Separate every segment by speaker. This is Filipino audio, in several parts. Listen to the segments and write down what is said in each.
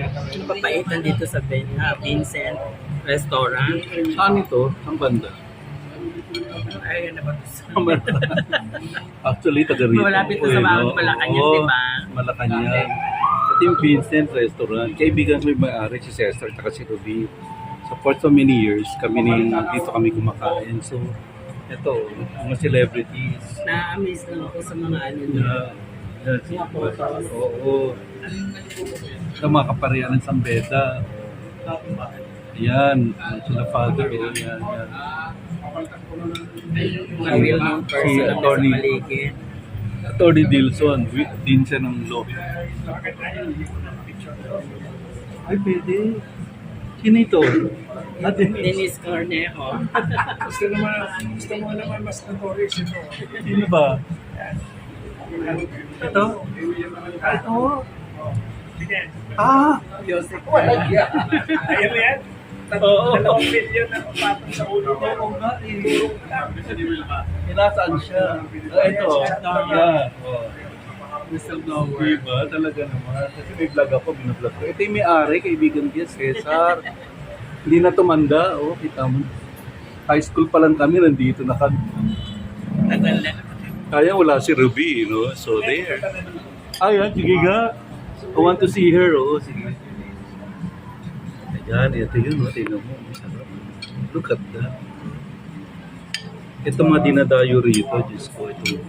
Speaker 1: Papaitan dito sa Vincent Restaurant.
Speaker 2: Saan ito? Ang banda?
Speaker 1: Ay, ano ba ito?
Speaker 2: Actually, taga rito.
Speaker 1: Malapit na sa Malacanang, di ba?
Speaker 2: Malacanang. Ito yung Vincent Restaurant. Kaibigan ko yung may-ari, si Cesar, at si Ruby. So for so many years, dito kami kumakain. So, ito, mga celebrities.
Speaker 1: Na-amaze lang ako sa mga ano nyo.
Speaker 2: Oo. Ito mga kaparian ng Sambeda. Yan, sila father. Yan.
Speaker 1: Mga well-known person
Speaker 2: Si
Speaker 1: lang sa
Speaker 2: attorney.
Speaker 1: paligid.
Speaker 2: Attorney Dilson, din siya ng law. Ay, pwede. Sino ito?
Speaker 1: Dennis Cornejo.
Speaker 3: Gusto mo naman mas notorious ito.
Speaker 2: Sino ba? Ito? Ito?
Speaker 1: Joseph.
Speaker 3: Ayan mo yan?
Speaker 2: Oo.
Speaker 3: 2 million na patong sa ulo mo.
Speaker 2: Oo nga eh. Nasaan siya? Ito. Yan. Mr. Nowhere. Diba? Talaga naman. Kasi may vlog ako, binablog ko. Ito yung may-ari, kaibigan ko, Cesar. Hindi na tumanda. Oh, kita mo. High school pa lang kami, nandito na kami.
Speaker 1: Tagal na.
Speaker 2: Kaya wala si Ruby, no? So there. Ayan, sige nga. I want to see her, oh. Sige. Ayan, ito yun, oh. Tingnan mo. Masarap. Look at that. Ito mga dinadayo rito, Diyos ko. Ito.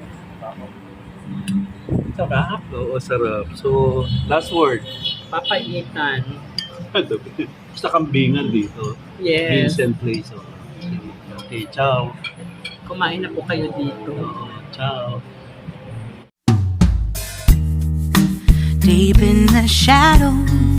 Speaker 1: Sarap.
Speaker 2: Oo, sarap. So, last word.
Speaker 1: Papaitan.
Speaker 2: Sa kambingan dito.
Speaker 1: Yes.
Speaker 2: Vincent Place. Oh. Okay, ciao.
Speaker 1: Kumain na po kayo dito.
Speaker 2: Oo, ciao.
Speaker 4: Deep in the shadow